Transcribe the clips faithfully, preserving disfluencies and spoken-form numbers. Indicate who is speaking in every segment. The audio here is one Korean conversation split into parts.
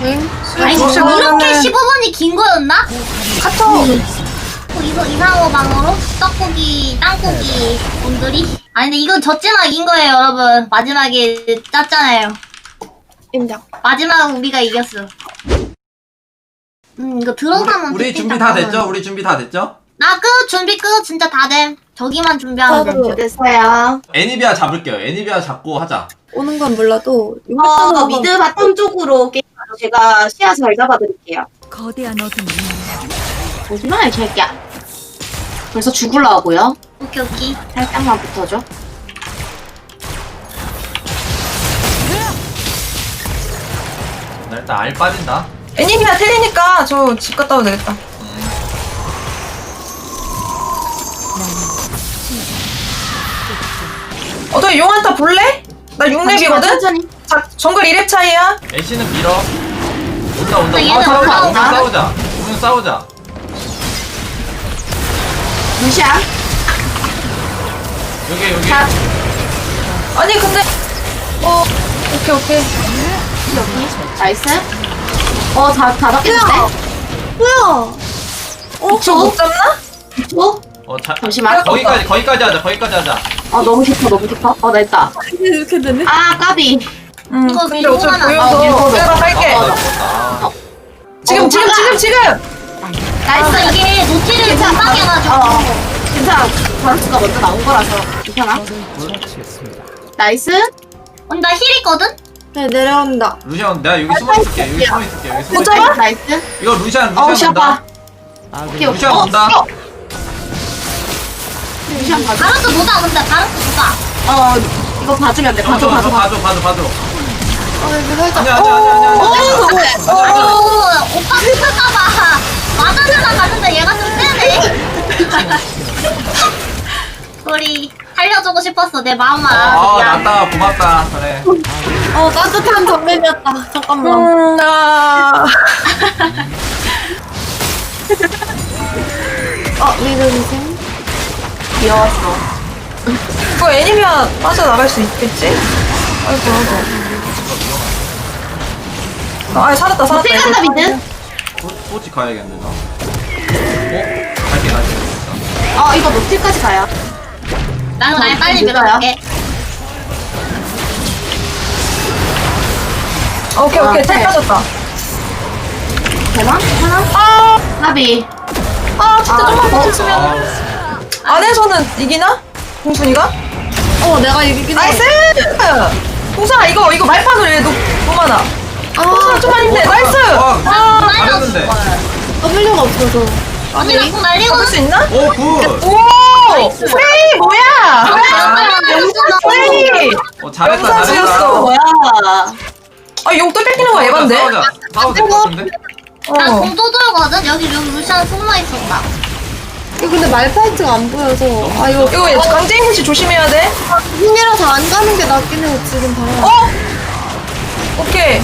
Speaker 1: 응?
Speaker 2: 아니
Speaker 1: 혹시
Speaker 2: 이렇게
Speaker 1: 그러면은
Speaker 2: 십오 분이 긴 거였나?
Speaker 1: 카톡.
Speaker 2: 어, 이거 이상호 방으로 떡고기 땅고기 분들이 아니 근데 이건 졌지만 이긴 거예요 여러분. 마지막에 짰잖아요.
Speaker 1: 인정.
Speaker 2: 마지막 우리가 이겼어. 음 이거 들어가면
Speaker 3: 우리, 우리 준비 다 됐죠? 우리 준비 다 됐죠?
Speaker 2: 나 끝! 준비 끝! 진짜 다 됨. 저기만 준비하면 돼.
Speaker 1: 저도
Speaker 4: 됐어요.
Speaker 3: 애니비아 잡을게요. 애니비아 잡고 하자.
Speaker 1: 오는 건 몰라도
Speaker 4: 어, 미드 바텀 쪽으로 게임하러 제가 시야 잘 잡아드릴게요.
Speaker 5: 거대한 어둠이
Speaker 4: 잠시만요, 자기야. 벌써 죽으려고요?
Speaker 2: 오케이 오케이.
Speaker 4: 살짝만 붙어줘.
Speaker 3: 나 일단 알 빠진다.
Speaker 1: 애니비아 틀리니까 저 집 갔다 와도 되겠다. 어, 너 용한타 볼래? 나 육 렙이거든?
Speaker 4: 천천히.
Speaker 1: 자, 정글 이 렙 차이야.
Speaker 3: 애쉬는 밀어. 온다 온다.
Speaker 2: 얘는
Speaker 3: 어, 싸우자.
Speaker 2: 올라온다.
Speaker 3: 오면 싸우자. 오면 싸우자.
Speaker 4: 루시아.
Speaker 3: 여기 여기.
Speaker 4: 자,
Speaker 1: 아니, 근데. 어, 오케이, 오케이.
Speaker 4: 여기. 나이스. 어, 다, 다 잡겠는데?
Speaker 1: 뭐야? 어, 저 못 잡나?
Speaker 4: 어?
Speaker 3: 어 자.
Speaker 4: 잠시만.
Speaker 3: 거기까지 거기까지 하자. 거기까지 하자.
Speaker 4: 어, 너무 깊어, 너무 깊어. 어, 나 있다.
Speaker 1: 이렇게 되네.
Speaker 4: 아, 까비.
Speaker 1: 응,
Speaker 2: 이거
Speaker 1: 근데
Speaker 2: 밀고
Speaker 1: 어차피
Speaker 2: 가면 안
Speaker 1: 보여서
Speaker 4: 돼.
Speaker 1: 내가 갈게.
Speaker 3: 아, 나 죽었다.
Speaker 1: 지금,
Speaker 4: 어,
Speaker 1: 지금,
Speaker 4: 막아.
Speaker 1: 지금, 지금!
Speaker 2: 나이스
Speaker 4: 아,
Speaker 2: 이게 노티를
Speaker 4: 괜찮아.
Speaker 2: 금방해가지고.
Speaker 4: 어, 괜찮아. 바루스가 먼저 나온 거라서. 괜찮아? 나이스.
Speaker 2: 언니 나 힐 있거든?
Speaker 1: 네, 내려온다.
Speaker 3: 루시안 내가 여기 숨어 있을게. 여기 숨어 있을게. 여기 숨어
Speaker 1: 못
Speaker 3: 있을게.
Speaker 1: 잡아?
Speaker 4: 나이스.
Speaker 3: 이거 루시안
Speaker 4: 어,
Speaker 3: 루시안
Speaker 4: 시아빠.
Speaker 3: 온다.
Speaker 4: 오케이, 오케이.
Speaker 3: 루시안
Speaker 4: 어,
Speaker 3: 온다.
Speaker 4: 어. 루시안 봐줘.
Speaker 2: 바로스 보자 근데 바로스 보자.
Speaker 4: 어, 이거 봐주면 돼. 봐줘,
Speaker 3: 봐줘
Speaker 4: 봐줘,
Speaker 3: 봐줘
Speaker 4: 봐줘.
Speaker 3: 봐줘 봐줘.
Speaker 1: 어, 이거 살짝.
Speaker 3: 아니야 아니야 아니야 아니야.
Speaker 4: 어,
Speaker 3: 아니야.
Speaker 2: 아니 오, 오빠 슬플까봐 맞아주나 갔는데 얘가 좀 세네. 소리 살려주고 싶었어 내 마음만.
Speaker 3: 아
Speaker 2: 미안.
Speaker 3: 낫다 고맙다. 그래.
Speaker 1: 어, 따뜻한 정면이었다. 잠깐만. 음, 아. 어, 믿으세요?
Speaker 4: 귀여웠어.
Speaker 1: 그거 애니비아 빠져나갈 수 있겠지? 아이고, 아이고. 아, 살았다, 살았다.
Speaker 4: 어떻게 간다,
Speaker 1: 이거.
Speaker 4: 미드?
Speaker 3: 소치 가야겠는데 나. 어? 갈게 갈게.
Speaker 4: 어, 이거 노틸까지 가요.
Speaker 2: 나는 날 빨리
Speaker 4: 믿어요.
Speaker 2: 밀어볼게.
Speaker 1: 오케이,
Speaker 4: 아,
Speaker 1: 오케이. 텔
Speaker 4: 네.
Speaker 1: 빠졌다.
Speaker 4: 되나? 하나?
Speaker 1: 아,
Speaker 4: 나비.
Speaker 1: 아, 진짜
Speaker 4: 아,
Speaker 1: 좀만
Speaker 4: 어,
Speaker 1: 버텼으면.
Speaker 3: 아,
Speaker 1: 안에서는 이기나? 공순이가?
Speaker 6: 어, 내가 이기긴 해.
Speaker 1: 나이스! 공순아, 이거, 이거 말판으로 얘 너무 많아. 공순아, 좀만 힘내. 나이스!
Speaker 3: 와,
Speaker 1: 아,
Speaker 3: 잘했는데.
Speaker 6: W가 없어서.
Speaker 2: 언니 나공 날리고.
Speaker 1: 잡을 수 있나?
Speaker 3: 오 굿.
Speaker 1: 오! 프레이 뭐야!
Speaker 2: 영상
Speaker 1: 프레이!
Speaker 3: 어 잘했다
Speaker 1: 영상
Speaker 3: 잘했다.
Speaker 1: 지었어.
Speaker 4: 뭐야?
Speaker 1: 아, 용돌 뺏기는 거 에반데?
Speaker 3: 싸우자. 싸우자. 될것 같은데?
Speaker 2: 나
Speaker 1: 어.
Speaker 2: 공도 돌거든? 여기 여기 루시안 숨어 있었다.
Speaker 6: 이거 근데 말파이트가 안 보여서. 아, 이거.
Speaker 1: 이거 강재인 씨 조심해야 돼.
Speaker 6: 힘이라서 안 가는 게 낫긴 해, 지금 바로.
Speaker 1: 어? 오케이.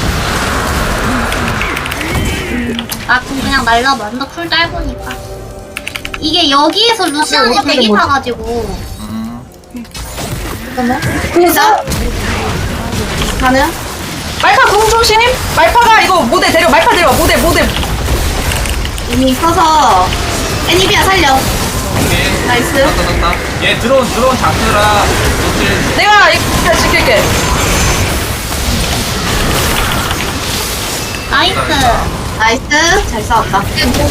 Speaker 2: 나공 그냥 날려봐. 너쿨 짧으니까. 이게 여기에서 루시안이
Speaker 1: 어떻게
Speaker 2: 대기
Speaker 1: 뭐-
Speaker 2: 타가지고.
Speaker 3: 음.
Speaker 6: 잠깐만.
Speaker 4: 그래서? 가능?
Speaker 1: 말파 공 조심. 말파가 이거 모델 데려. 말파 데려와. 모델 모델.
Speaker 4: 이미 있어서 애니비아 살려.
Speaker 3: 오케이.
Speaker 4: 나이스.
Speaker 3: 됐다 됐다. 얘 드론 드론 잡느라 노틸.
Speaker 1: 내가 이거 지킬게.
Speaker 2: 나이스.
Speaker 4: 나이스. 잘 싸웠다.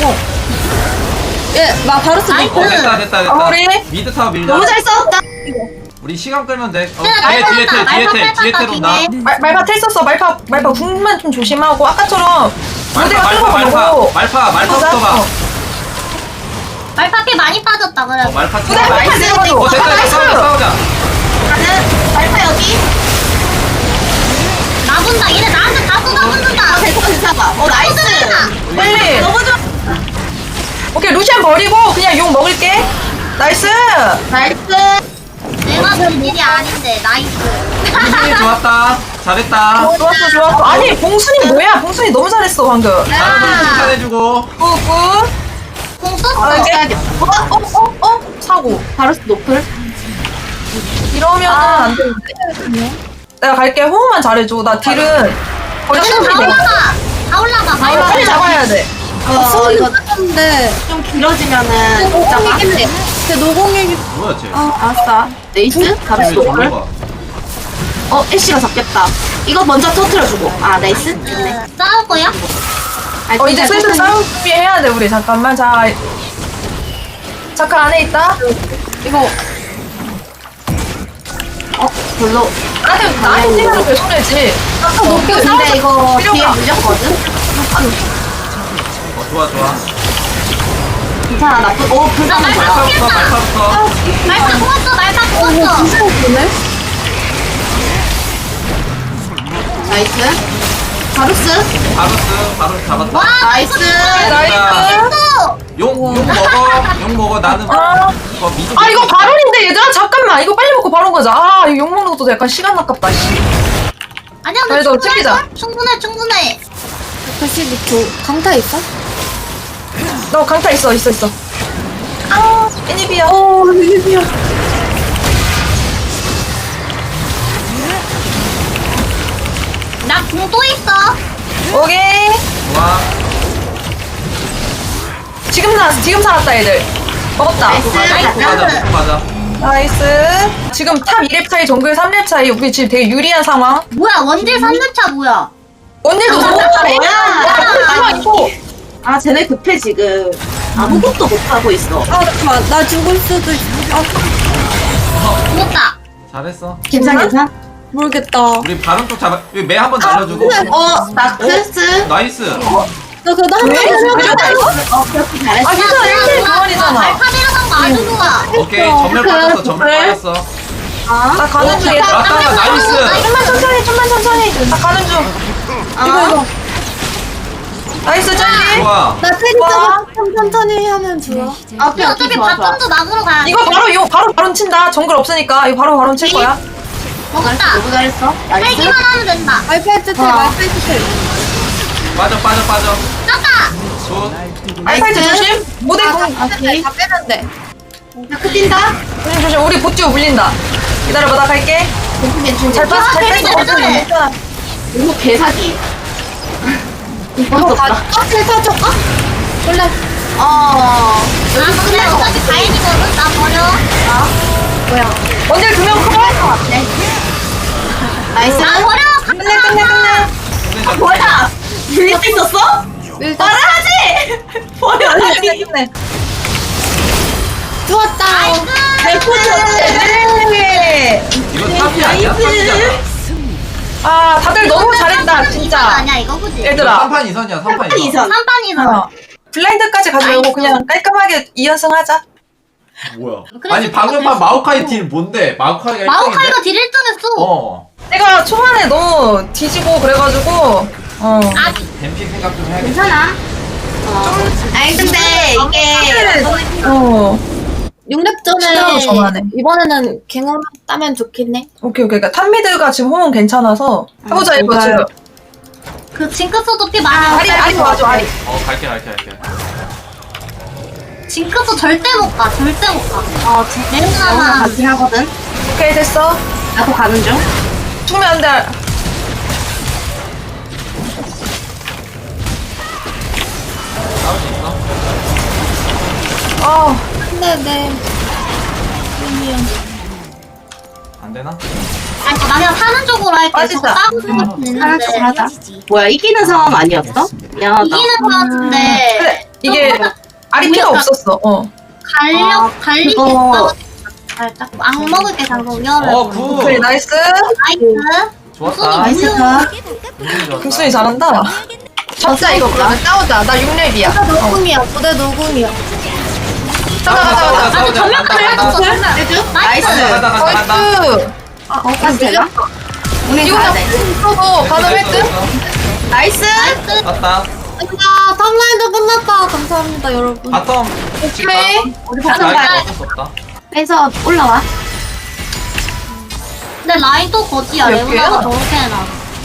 Speaker 6: 예, 나 바루스
Speaker 2: 나이스.
Speaker 3: 어 됐다 됐다 됐다.
Speaker 1: 어, 우리?
Speaker 3: 미드 타워 밀자.
Speaker 4: 너무 잘 싸웠다.
Speaker 3: 우리 시간 끌면 돼. 어,
Speaker 2: 네,
Speaker 3: 뒤에 뒤에
Speaker 2: 말파
Speaker 3: 텔 뒤에
Speaker 2: 말파
Speaker 3: 텔 뒤에
Speaker 2: 말파
Speaker 3: 텔 온다.
Speaker 2: 뒤에.
Speaker 1: 말, 말파 텔 썼어. 말파 말파 궁만 좀 조심하고 아까처럼
Speaker 3: 말파
Speaker 1: 모델가
Speaker 3: 말파 말파
Speaker 1: 뚫어보려고.
Speaker 3: 말파 말파부터 봐.
Speaker 1: 어.
Speaker 2: 말파 피 많이 빠졌다 그래.
Speaker 3: 어 말파
Speaker 1: 모델
Speaker 3: 튀어.
Speaker 1: 말파 내려가지고.
Speaker 3: 어 됐다 됐다
Speaker 1: 나이스.
Speaker 3: 싸우자 싸우자.
Speaker 4: 가능? 말파 여기?
Speaker 2: 나본다. 얘네 나한테 다 쏟아붓는다.
Speaker 4: 어, 괜찮아, 괜찮아. 어, 나이스.
Speaker 1: 빨리.
Speaker 4: 너무 좋아.
Speaker 1: 오케이 루시안 버리고 그냥 용 먹을게. 나이스.
Speaker 4: 나이스.
Speaker 2: 내가 본 일이 아닌데 나이스.
Speaker 3: 루시안 좋았다. 잘했다.
Speaker 1: 좋았어 좋았어. 아니 봉순이 뭐야? 봉순이 너무 잘했어 방금.
Speaker 3: 다른 분 칭찬해주고.
Speaker 1: 굿굿.
Speaker 2: 공 썼어.
Speaker 1: 아, 이게-
Speaker 4: 써야겠다.
Speaker 1: 어, 어, 어, 어, 사고.
Speaker 4: 바루스 노플?
Speaker 1: 이러면 안 되는데. 내가 갈게. 호흡만 잘해줘. 나 딜은 거의
Speaker 2: 얘는 다
Speaker 1: 충분히 돼.
Speaker 2: 올라가. 다 올라가. 다
Speaker 1: 아, 이거 빨리
Speaker 2: 올라가.
Speaker 1: 잡아야 돼.
Speaker 4: 어,
Speaker 6: 손이
Speaker 4: 이거
Speaker 6: 끝났는데.
Speaker 4: 좀 길어지면은 잡아.
Speaker 6: 노공이겠네. 제 노공이.
Speaker 3: 뭐야 쟤?
Speaker 4: 어, 알았어. 네이스? 바로
Speaker 3: 왜
Speaker 4: 스톱을.
Speaker 3: 저러가?
Speaker 4: 어, 애쉬가 잡겠다. 이거 먼저 터트려주고. 아, 나이스?
Speaker 2: 네. 싸울 거야?
Speaker 1: 어, 이제 슬슬 싸움 준비해야 돼, 우리. 잠깐만, 자. 잠깐 안에 있다. 이거,
Speaker 4: 어, 별로.
Speaker 1: 나한테, 나한테 뛰면 왜 손해지?
Speaker 4: 아까 못 근데 이거 뒤에
Speaker 1: 필요가.
Speaker 4: 물렸거든?
Speaker 3: 어 좋아 좋아.
Speaker 4: 괜찮아, 나쁜. 오, 불쌍한
Speaker 2: 나
Speaker 4: 거야.
Speaker 3: 말파부터 말파부터.
Speaker 2: 말파 뽑았어. 말파 뽑았어.
Speaker 6: 진짜 웃기네.
Speaker 4: 나이스. 바루스.
Speaker 3: 바루스 바루스 잡았다.
Speaker 2: 와,
Speaker 4: 나이스.
Speaker 1: 나이스.
Speaker 3: 용, 용 먹어. 용 먹어. 나는
Speaker 1: 아.
Speaker 3: 이거 미드.
Speaker 1: 아, 이거 바론인데, 얘들아? 잠깐만. 이거 빨리 먹고 바론 가자. 아, 이거 욕 먹는 것도 약간 시간 아깝다, 씨.
Speaker 2: 아니야, 너
Speaker 1: 그래도
Speaker 2: 충분해.
Speaker 1: 챙기자.
Speaker 2: 충분해, 충분해.
Speaker 6: 다시 너 강타 있어?
Speaker 1: 너 강타 있어, 있어, 있어. 아, 애니비야.
Speaker 6: 어, 이게야.
Speaker 2: 나 궁 또 있어.
Speaker 1: 오케이.
Speaker 3: 좋아.
Speaker 1: 지금 사, 지금 살았다, 애들. 먹었다.
Speaker 4: 나이스.
Speaker 3: 먹고 가자. 먹고 가자.
Speaker 1: 나이스. 지금 탑 이 렙 차이, 정글 삼 렙 차이. 우리 지금 되게 유리한 상황.
Speaker 2: 뭐야, 원딜 삼 렙차 뭐야?
Speaker 1: 언니도 삼 렙 차이.
Speaker 4: 뭐야?
Speaker 1: 야, 이거.
Speaker 4: 아, 쟤네 급해, 지금. 아무것도 못하고 있어.
Speaker 6: 아, 잠깐만. 나 죽을 수도 있어. 아,
Speaker 2: 죽었다.
Speaker 3: 잘했어.
Speaker 4: 괜찮아, 괜찮아?
Speaker 6: 모르겠다.
Speaker 3: 우리 바론 쪽 잡아. 여기 매 한번 날려주고.
Speaker 4: 어, 나크스.
Speaker 3: 나이스.
Speaker 6: 나 그래도 한
Speaker 1: 왜?
Speaker 6: 번
Speaker 1: 그랬다, 이거?
Speaker 4: 어, 그렇게 잘했어.
Speaker 1: 아, 괜찮아. 일 대 일
Speaker 2: 좋아,
Speaker 1: 그만이잖아.
Speaker 2: 말파 내려간 거 아주 좋아.
Speaker 3: 오케이. 전멸 빠졌어. 전멸
Speaker 1: 그래?
Speaker 3: 빠졌어.
Speaker 4: 아,
Speaker 1: 나 가는 중에.
Speaker 3: 아, 따라, 나이스.
Speaker 1: 좀만 천천히, 좀만 천천히. 나 가는 중. 이거, 이거. 나이스, 짤리.
Speaker 3: 좋아.
Speaker 6: 나 테리스가 좀 천천히 하면 좋아.
Speaker 4: 아, 오케이, 오케이,
Speaker 2: 어차피
Speaker 4: 좋아, 좋아.
Speaker 2: 바텀도 막으러 가야 돼.
Speaker 1: 이거 바로, 이거 바로 바론 친다. 정글 없으니까. 이거 바로 바론 칠 거야.
Speaker 2: 먹었다.
Speaker 4: 너무 잘했어. 나이스.
Speaker 2: 살기만 하면 된다.
Speaker 6: 말파이트 텔,
Speaker 4: 어.
Speaker 6: 말파이트 텔.
Speaker 3: 빠져 빠져 빠져.
Speaker 2: 떴다.
Speaker 3: 굿.
Speaker 1: 알파이트 조심. 모델
Speaker 6: 아,
Speaker 1: 공.
Speaker 6: 다 빼는데, 다 빼는데.
Speaker 4: 나크 뛴다.
Speaker 1: 조심, 조심. 우리 보tiu 물린다. 기다려봐, 나 갈게.
Speaker 4: 괜찮, 괜찮,
Speaker 1: 잘
Speaker 4: 괜찮.
Speaker 1: 뺐어, 잘
Speaker 2: 재밌네,
Speaker 1: 뺐어.
Speaker 2: 재밌네.
Speaker 1: 괜찮아.
Speaker 4: 이거 개사기. 이거
Speaker 6: 어,
Speaker 4: 없다.
Speaker 6: 아, 텔 타줄까? 원래.
Speaker 4: 어,
Speaker 2: 아, 근데 어차피 가인이거든. 나 버려.
Speaker 6: 뭐야.
Speaker 1: 원딜 두명 커버.
Speaker 4: 나이스.
Speaker 2: 나 버려.
Speaker 1: 끝내, 끝내, 끝내.
Speaker 3: 끝내자.
Speaker 4: 뭐야? 밀리고 있었어?
Speaker 6: 일단.
Speaker 4: 말하지! 버려,
Speaker 1: 끝내,
Speaker 4: 아니.
Speaker 1: 끝내.
Speaker 6: 좋았다.
Speaker 1: 네.
Speaker 3: 이거 탑이 아니야? 탑이잖아.
Speaker 1: 아, 다들 너무 잘했다,
Speaker 2: 이선
Speaker 1: 진짜.
Speaker 2: 아니야, 이거 그지?
Speaker 1: 얘들아.
Speaker 3: 삼판 이선이야. 삼판
Speaker 4: 삼판
Speaker 3: 이선.
Speaker 4: 이선.
Speaker 2: 삼판 이선.
Speaker 1: 어. 블라인드까지 가지 말고 그냥 깔끔하게 이 연승 하자.
Speaker 3: 뭐야?
Speaker 2: 그래서
Speaker 3: 아니 방금 판 마오카이 딜 뭔데? 마오카이가
Speaker 2: 마오카이가 딜 일 등 했어.
Speaker 3: 어.
Speaker 1: 내가 초반에 너무 뒤지고 그래가지고 어.
Speaker 2: 아,
Speaker 3: 뱀픽 생각 좀 해야겠다.
Speaker 4: 괜찮아. 어. 아니, 근데 이게.
Speaker 1: 어.
Speaker 6: 육 렙
Speaker 1: 시간으로 정하네.
Speaker 6: 전에 이번에는 갱을 따면 좋겠네.
Speaker 1: 오케이 오케이. 그러니까 탑미드가 지금 호응 괜찮아서 해보자 이거
Speaker 4: 좋아요.
Speaker 1: 지금.
Speaker 2: 그 징크스도 피 많아.
Speaker 1: 아리 아리 도와줘 아리.
Speaker 3: 어 갈게 갈게 갈게.
Speaker 2: 징크스 절대 못 가. 절대 못 가.
Speaker 4: 어, 진짜. 나랑
Speaker 2: 내려가만.
Speaker 4: 같이 하거든.
Speaker 1: 오케이 됐어.
Speaker 4: 나도 가는 중.
Speaker 1: 죽으면 안 돼.
Speaker 3: 싸울 수 있어?
Speaker 1: 어.
Speaker 6: 네네.
Speaker 3: 안 되나?
Speaker 2: 아니, 나 그냥 사는 쪽으로 할게.
Speaker 1: 아,
Speaker 2: 저거
Speaker 1: 진짜.
Speaker 2: 싸고 생각했는데.
Speaker 4: 하나 쪽 하자. 뭐야, 이기는 상황 아니었어? 미안하다.
Speaker 2: 이기는 거 같은데.
Speaker 1: 그래 이게 아리 피가 없었어. 어.
Speaker 2: 갈력,
Speaker 4: 아,
Speaker 2: 갈리기
Speaker 4: 그거.
Speaker 2: 있다고 살짝 악 먹을게 방금 열을.
Speaker 3: 어 굿.
Speaker 1: 오케이 나이스.
Speaker 2: 나이스.
Speaker 3: 좋았다.
Speaker 4: 나이스가.
Speaker 3: 운이 좋았다.
Speaker 1: 국순이 잘한다. 잡자 이거 그러면 싸우자. 나 육 렙이야.
Speaker 6: 나 노공이야. 부대 노공이야.
Speaker 1: 가자 가자 가자.
Speaker 2: 나도
Speaker 3: 싸우자.
Speaker 2: 전면까지
Speaker 3: 간다,
Speaker 2: 해줬어.
Speaker 3: 간다.
Speaker 2: 해줘?
Speaker 4: 나이스.
Speaker 2: 나이스.
Speaker 3: 간다 간다 간다.
Speaker 1: 나이스.
Speaker 6: 아,
Speaker 4: 가도 되나? 우리
Speaker 1: 이거
Speaker 4: 가야
Speaker 1: 다
Speaker 4: 돼.
Speaker 1: 풀어도 가능 일 등?
Speaker 4: 나이스.
Speaker 2: 나이스.
Speaker 3: 갔다.
Speaker 6: 아, 탑라인도 끝났다. 감사합니다, 여러분.
Speaker 3: 바텀.
Speaker 1: 오케이.
Speaker 4: 우리
Speaker 3: 아
Speaker 4: 바텀
Speaker 3: 이거
Speaker 4: 가야
Speaker 3: 어쩔 수 없다.
Speaker 4: 해서 올라와.
Speaker 2: 근데 라인 또 거지야.
Speaker 1: 몇
Speaker 2: 레오나가
Speaker 1: 개야?
Speaker 2: 저렇게 해놔.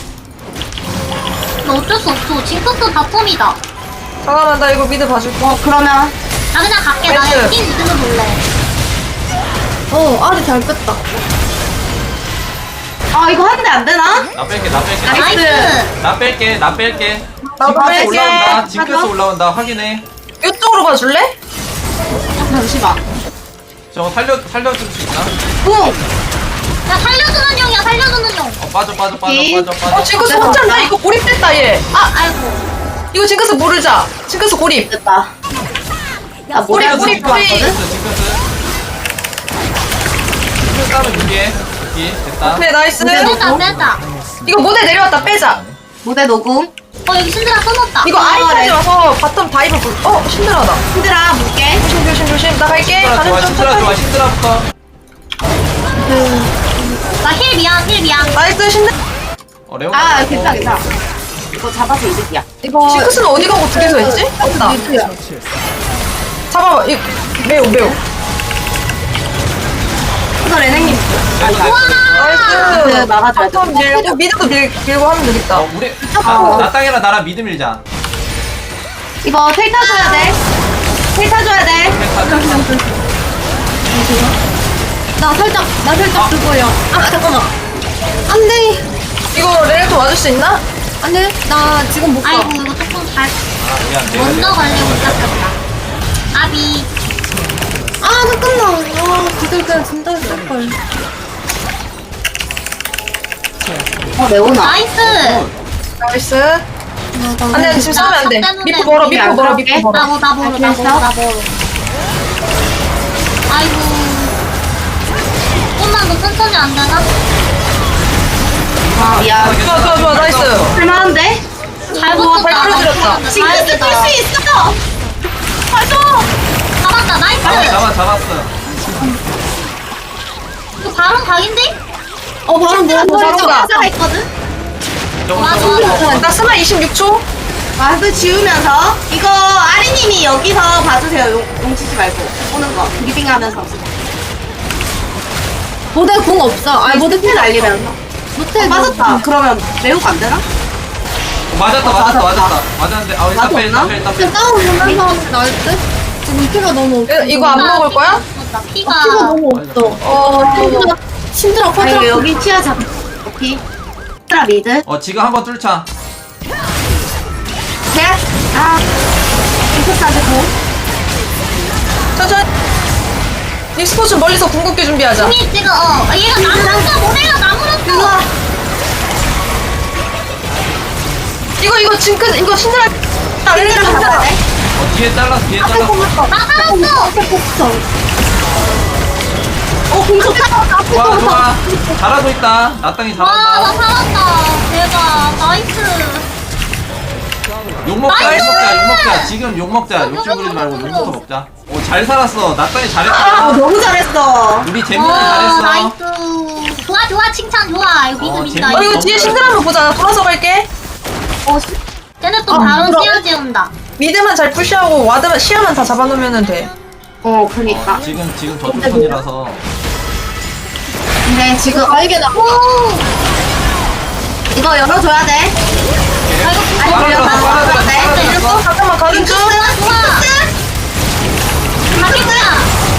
Speaker 2: 근데 어쩔 수 없어. 징크스 바텀이다.
Speaker 1: 잠깐만 나 이거 미드 봐줄게.
Speaker 4: 어, 그러면.
Speaker 2: 나 그냥 갈게. 나
Speaker 1: 나이스.
Speaker 2: 팀 믿으면 볼래.
Speaker 6: 어, 아리 잘 뺐다.
Speaker 4: 아 이거 하는데 안 되나?
Speaker 3: 나 뺄게 나 뺄게
Speaker 2: 나이스.
Speaker 3: 나 뺄게 나 뺄게
Speaker 1: 나도
Speaker 3: 징크스
Speaker 1: 뺄게.
Speaker 3: 올라온다 징크스
Speaker 4: 하자.
Speaker 3: 올라온다 확인해
Speaker 1: 이쪽으로 봐줄래?
Speaker 4: 어, 잠시만.
Speaker 3: 저거 살려 살려줄 수 있나?
Speaker 4: 뿡.
Speaker 2: 야 살려주는 용이야 살려주는 용.
Speaker 3: 어 빠져 빠져 빠져
Speaker 4: 오케이.
Speaker 3: 빠져 빠져
Speaker 1: 어 징크스
Speaker 4: 내가
Speaker 1: 혼자나
Speaker 4: 봤다.
Speaker 1: 이거 고립됐다 얘.
Speaker 2: 아 아이고.
Speaker 1: 이거 징크스 모르자. 징크스 고립.
Speaker 4: 됐다. 나
Speaker 1: 뿌리,
Speaker 4: 모델
Speaker 1: 뿌리,
Speaker 4: 뿌리
Speaker 1: 뿌리.
Speaker 4: 왔거든.
Speaker 3: 징크스 징크스 징크스 따면 여기에 여기 됐다
Speaker 1: 오케이 나이스.
Speaker 2: 빼자 빼자.
Speaker 1: 이거 모델 내려왔다 빼자.
Speaker 4: 모델 녹음.
Speaker 2: 어 여기 신드라 써놨다.
Speaker 1: 이거
Speaker 4: 아,
Speaker 1: 아이까지
Speaker 4: 네.
Speaker 1: 와서 바텀 다이브 불. 어 힘들하다.
Speaker 4: 힘들아 볼게.
Speaker 1: 조심 조심 조심. 나 갈게.
Speaker 3: 신드라
Speaker 1: 가는
Speaker 3: 좋아
Speaker 1: 좀
Speaker 3: 신드라 좋아
Speaker 1: 천천히.
Speaker 3: 신드라부터
Speaker 2: 나 힐 미안 힐 미안.
Speaker 1: 나이스 신드.
Speaker 3: 어 레온
Speaker 4: 아 괜찮아 괜찮아. 이거 잡아서 이득이야.
Speaker 6: 이거
Speaker 1: 징크스는 어디 가고 두 개서 했지? 없다.
Speaker 6: 미드야.
Speaker 1: 잡아봐. 이 매우 매우.
Speaker 4: 이거 레넥님. 아 이거.
Speaker 1: 나이스.
Speaker 4: 그 막아줘야 돼.
Speaker 1: 바텀 밀고 미드도 밀, 밀고 하면 되겠다.
Speaker 3: 어 우리
Speaker 4: 아.
Speaker 3: 나 땅이랑 나랑 미드 밀자
Speaker 4: 이거 텔 타줘야 돼. 텔 타줘야 돼.
Speaker 6: 나 살짝 나 살짝
Speaker 3: 아.
Speaker 6: 그거야. 아 잠깐만. 안돼.
Speaker 1: 이거 레넥도 와줄 수 있나?
Speaker 6: 안돼. 나 지금 못 가.
Speaker 2: 아이고 이거 조금 잘
Speaker 3: 아 미안 내가
Speaker 2: 먼저
Speaker 3: 내가
Speaker 2: 가려고 시작했다. 아비.
Speaker 6: 아 잠깐만. 아 기절 그냥 진짜 했을 걸.
Speaker 4: 어 레오나.
Speaker 2: 나이스.
Speaker 1: 나이스. 안돼 지금 싸우면 안 돼.
Speaker 2: 나 때문에
Speaker 1: 미포 멀어
Speaker 4: 우리
Speaker 1: 미포
Speaker 4: 안
Speaker 1: 멀어
Speaker 4: 들어갈게.
Speaker 1: 미포 멀어.
Speaker 2: 나보 나보로 나보로
Speaker 4: 알겠어?
Speaker 2: 나보로. 아이고. 조금만 더 천천히 안 되나?
Speaker 4: 아 미안.
Speaker 1: 좋아 좋아 좋아 나이스.
Speaker 4: 할만한데?
Speaker 2: 잘
Speaker 1: 우와,
Speaker 2: 붙었다.
Speaker 1: 발 풀어들였다.
Speaker 4: 징크스 뜰수 있어.
Speaker 2: 가져. 잡았다
Speaker 3: 잡아
Speaker 2: 나이스.
Speaker 3: 잡아 잡았어
Speaker 2: 이거 바로 각인데?
Speaker 4: 어 바로 뭐
Speaker 1: 바로
Speaker 4: 머리
Speaker 1: 가.
Speaker 4: 좀 있거든.
Speaker 3: 저거
Speaker 2: 좋아
Speaker 3: 저거
Speaker 2: 좋아 좋아.
Speaker 1: 나 스마 이십육 초.
Speaker 4: 마스 지우면서 이거 아리님이 여기서 봐주세요. 용, 용치지 말고 오는 거 리빙하면서.
Speaker 6: 모델 공 없어. 아니 모델
Speaker 4: 모델 날리면서.
Speaker 6: 모텔
Speaker 4: 어, 맞았다. 그러면 매우가 안 되나?
Speaker 3: 어, 맞았다
Speaker 4: 어,
Speaker 3: 맞았다
Speaker 4: 맞았다.
Speaker 3: 맞았다 맞았는데 아 일단
Speaker 4: 나도
Speaker 3: 빼 일단
Speaker 4: 없나?
Speaker 3: 빼 일단 빼
Speaker 6: 그냥 싸우면서 하면 나을 듯? 지금 피가 너무 없어.
Speaker 1: 이거- 이거 안 먹을 거야?
Speaker 2: 나 피가.
Speaker 6: 피가 너무 없어.
Speaker 1: 어.
Speaker 6: 힘들어. 힘들어.
Speaker 4: 아 이거
Speaker 6: 화장.
Speaker 4: 여기 치아 잡. 오케이. 트라 미드.
Speaker 3: 어 지금 한번 뚫자
Speaker 4: 셋. 아. 이렇게까지 고.
Speaker 1: 천천히. 닉스포츠 멀리서 궁극기 준비하자.
Speaker 2: 공이 지금 어 얘가 나무랐어 모래가 나무랐어.
Speaker 1: 이거 이거 징크 이거 신드라. 아 레넥
Speaker 4: 잡아야
Speaker 1: 신드라.
Speaker 4: 돼.
Speaker 3: 어 뒤에 잘랐어 뒤에 잘랐어
Speaker 2: 나 살았어.
Speaker 4: 어 공속 타.
Speaker 3: 좋아 좋아 잘하고 있다 나 땅이
Speaker 2: 와나
Speaker 3: 잘한다
Speaker 2: 살았다. 대박 나이스.
Speaker 3: 욕먹자
Speaker 2: 나이스!
Speaker 3: 욕먹자 욕먹자 지금 욕먹자 욕심 부리지 말고 욕부터 먹자 오잘 살았어 나 땅이
Speaker 4: 아
Speaker 3: 잘했다
Speaker 4: 너무 잘했어.
Speaker 3: 우리 재민이
Speaker 2: 와
Speaker 3: 잘했어
Speaker 2: 나이스. 좋아 좋아 칭찬 좋아. 이거 미드
Speaker 3: 어,
Speaker 2: 미드
Speaker 3: 재밌다.
Speaker 1: 어
Speaker 2: 나이스.
Speaker 1: 이거 뒤에 신드라 한번 보자. 나 돌아서 갈게.
Speaker 4: 어 씨.
Speaker 2: 쟤네 또
Speaker 1: 아,
Speaker 2: 바로
Speaker 1: 물어.
Speaker 2: 시야 재운다.
Speaker 1: 미드만 잘 푸시하고 와드만 시야만 다 잡아놓으면 돼.
Speaker 4: 어 그러니까.
Speaker 3: 어, 지금 지금 저주선이라서
Speaker 4: 근데 지금
Speaker 6: 아 이게 나.
Speaker 2: 오.
Speaker 4: 이거 열어줘야 돼. 아니
Speaker 3: 빨아들였어,
Speaker 4: 열어줘야
Speaker 3: 빨아들였어,
Speaker 4: 돼.
Speaker 3: 빨아들였어.
Speaker 1: 어, 잠깐만 가는 중.
Speaker 2: 좋아 좋아. 가겠구나.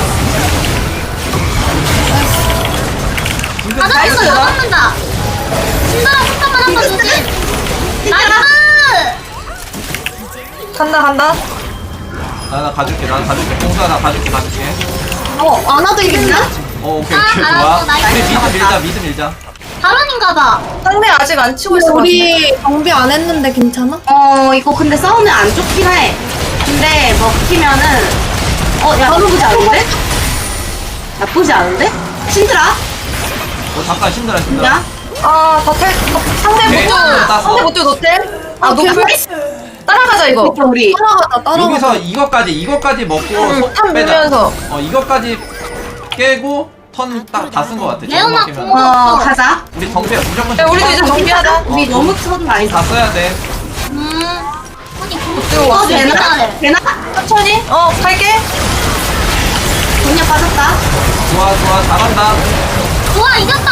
Speaker 3: 지금
Speaker 2: 가져온다 가져온다. 신나라 폭탄만 한번 주지. 나이스.
Speaker 1: 간다 간다.
Speaker 3: 아, 나 가줄게 나 가줄게 공사 나 가줄게 가줄게
Speaker 6: 어 안아도 이겼나?
Speaker 3: 어 오케이
Speaker 2: 아,
Speaker 3: 오케이 좋아
Speaker 2: 알았어, 나이스.
Speaker 3: 우리 미드 밀자 미드 밀자
Speaker 2: 발언인가봐.
Speaker 1: 상대 아직 안 치고 있어.
Speaker 6: 우리 정비 안 했는데 괜찮아?
Speaker 4: 어 이거 근데 싸우면 안 좋긴 해. 근데 먹히면은 어야 나쁘지 않은데? 나쁘지 않은데? 신드라?
Speaker 3: 어 잠깐 힘들어 힘들어
Speaker 4: 야?
Speaker 1: 아 다텔 상대
Speaker 3: 오케이,
Speaker 1: 못도
Speaker 3: 땄어.
Speaker 1: 상대 못도 노텔. 아
Speaker 4: 오케이,
Speaker 1: 노플. 따라가자 이거.
Speaker 4: 이거 우리
Speaker 6: 따라가자 따라가자.
Speaker 3: 여기서 이것까지 이것까지 먹고
Speaker 1: 응,
Speaker 3: 속
Speaker 1: 탑
Speaker 3: 빼자
Speaker 1: 밀면서.
Speaker 3: 어 이것까지 깨고 턴 딱 다 쓴 거 같아
Speaker 2: 레오나
Speaker 3: 지금
Speaker 2: 궁.
Speaker 3: 먹히면
Speaker 4: 어 가자.
Speaker 3: 우리 정배 무조건
Speaker 1: 야 우리도 이제 정비하자.
Speaker 4: 우리 너무 쳐도 많이
Speaker 3: 다 써야 돼
Speaker 2: 음. 아니
Speaker 1: 이거
Speaker 4: 어
Speaker 1: 왔어.
Speaker 4: 되나? 되나?
Speaker 1: 천천히. 어 갈게.
Speaker 4: 돈이 빠졌다.
Speaker 3: 좋아 좋아 잘한다
Speaker 2: 좋아 이겼다.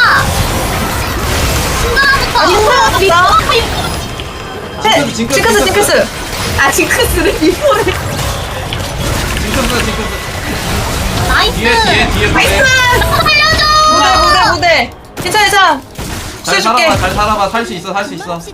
Speaker 2: 신나라부터.
Speaker 1: 아니 신드라
Speaker 4: 어,
Speaker 1: 왔다.
Speaker 3: 징크스, 징크스,
Speaker 1: 징크스 징크스.
Speaker 4: 아 징크스를 이번에.
Speaker 3: 징크스 징크스
Speaker 2: 나이스.
Speaker 3: 뒤에 뒤에 뒤에
Speaker 4: 나이스.
Speaker 3: 뒤에
Speaker 2: 살려줘.
Speaker 1: 무대 무대 무대. 괜찮아 괜찮아.
Speaker 3: 잘
Speaker 1: 복수해줄게.
Speaker 3: 살아봐 잘 살아봐 살 수 있어 살 수 있어.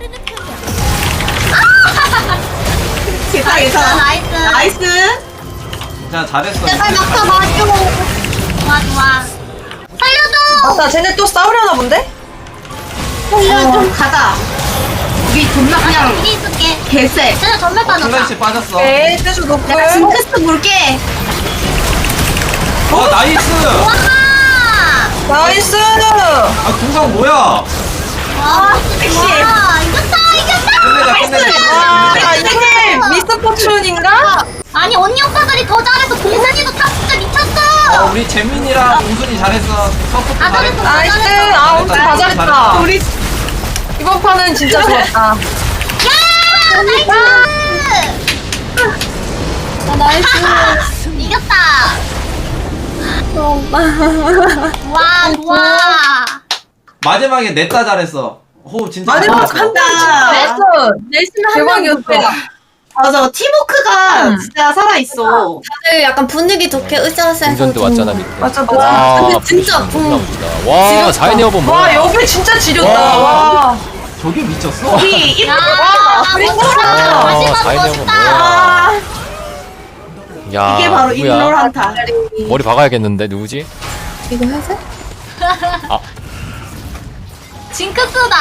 Speaker 4: 괜찮아, 괜찮아.
Speaker 2: 나이스.
Speaker 4: 나이스.
Speaker 3: 자 잘했어.
Speaker 2: 제발 막타 맞줘. 좋아 좋아. 살려줘.
Speaker 1: 맞다, 쟤네 또 싸우려나 본데?
Speaker 4: 어, 좀 가자. 우리 존나 그냥
Speaker 2: 여기 있을게.
Speaker 4: 개쎄.
Speaker 2: 쟤네 전멸 빠졌다.
Speaker 3: 플래시 빠졌어.
Speaker 1: 오케이, 세주 노플.
Speaker 4: 내가 징크스 물게.
Speaker 3: 어 나이스.
Speaker 2: 와.
Speaker 1: 나이스!
Speaker 3: 아 궁상 뭐야?
Speaker 2: 와 섹시해. 와 이겼다 이겼다.
Speaker 3: 끝내자 끝내자.
Speaker 1: 아,
Speaker 3: 끝내자.
Speaker 1: 이게 미스터 포춘인가?
Speaker 2: 아니 언니 오빠들이 더 잘해서 공산이도 탑 진짜
Speaker 3: 어,
Speaker 2: 미쳤어.
Speaker 3: 우리 재민이랑 공순이 잘했어. 서포트
Speaker 2: 아,
Speaker 3: 잘했어.
Speaker 2: 잘했어.
Speaker 1: 나이스! 아, 엄청 다 잘했다.
Speaker 4: 우리
Speaker 1: 이번 판은 진짜 좋았다.
Speaker 2: 야 나이스.
Speaker 6: 아, 나이스.
Speaker 2: 이겼다.
Speaker 6: 어,
Speaker 2: 와 좋아.
Speaker 3: 마지막에 냈다 잘했어. 호흡 진짜
Speaker 1: 마지막
Speaker 3: 잘했어.
Speaker 1: 한
Speaker 4: 아,
Speaker 1: 냈어.
Speaker 6: 열심히
Speaker 1: 대박이었어.
Speaker 4: 맞아. 팀워크가
Speaker 1: 응.
Speaker 4: 진짜 살아있어.
Speaker 6: 다들 약간 분위기 좋게 으쌰으쌰
Speaker 5: 운전도 왔잖아 밑에.
Speaker 1: 맞아, 맞아.
Speaker 5: 와,
Speaker 6: 근데 진짜
Speaker 5: 존나
Speaker 6: 음,
Speaker 5: 멋지다. 와, 사인 에어본 뭐야?
Speaker 1: 와, 여기 진짜 지렸다.
Speaker 3: 와.
Speaker 1: 와.
Speaker 3: 저게 미쳤어?
Speaker 4: 우리
Speaker 2: 야
Speaker 4: 이렇게
Speaker 2: 멋있다.
Speaker 5: 와,
Speaker 2: 마지막
Speaker 5: 사인 에어본
Speaker 2: 멋있다.
Speaker 5: 뭐야? 야,
Speaker 4: 이게 바로
Speaker 5: 누구야?
Speaker 4: 인롤한타.
Speaker 5: 머리 박아야겠는데 누구지?
Speaker 6: 이거 회색?
Speaker 2: 징크스다.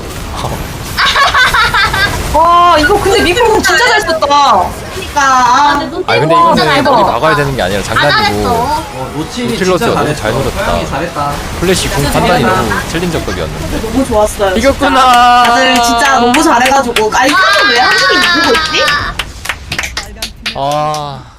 Speaker 1: 와, 이거 근데 미국 진짜 잘 썼다.
Speaker 4: 그러니까 아,
Speaker 2: 근데 눈빛
Speaker 5: 아 근데
Speaker 2: 진짜
Speaker 5: 이거는
Speaker 2: 잘
Speaker 5: 머리
Speaker 2: 봐.
Speaker 5: 박아야 되는 게 아니라
Speaker 2: 다 잘했어.
Speaker 5: 장난이고
Speaker 3: 어, 노칠이
Speaker 5: 노틸러스
Speaker 3: 진짜
Speaker 5: 너무
Speaker 3: 잘했어.
Speaker 5: 잘 노렸다.
Speaker 3: 고양이 잘했다.
Speaker 5: 플래시 궁 판단이 너무 챌린저급이었는데.
Speaker 4: 너무 좋았어요.
Speaker 5: 이겼구나.
Speaker 4: 다들 진짜 너무 잘해가지고. 아니, 그래서 왜 한국이 이기고 있지?
Speaker 5: 아.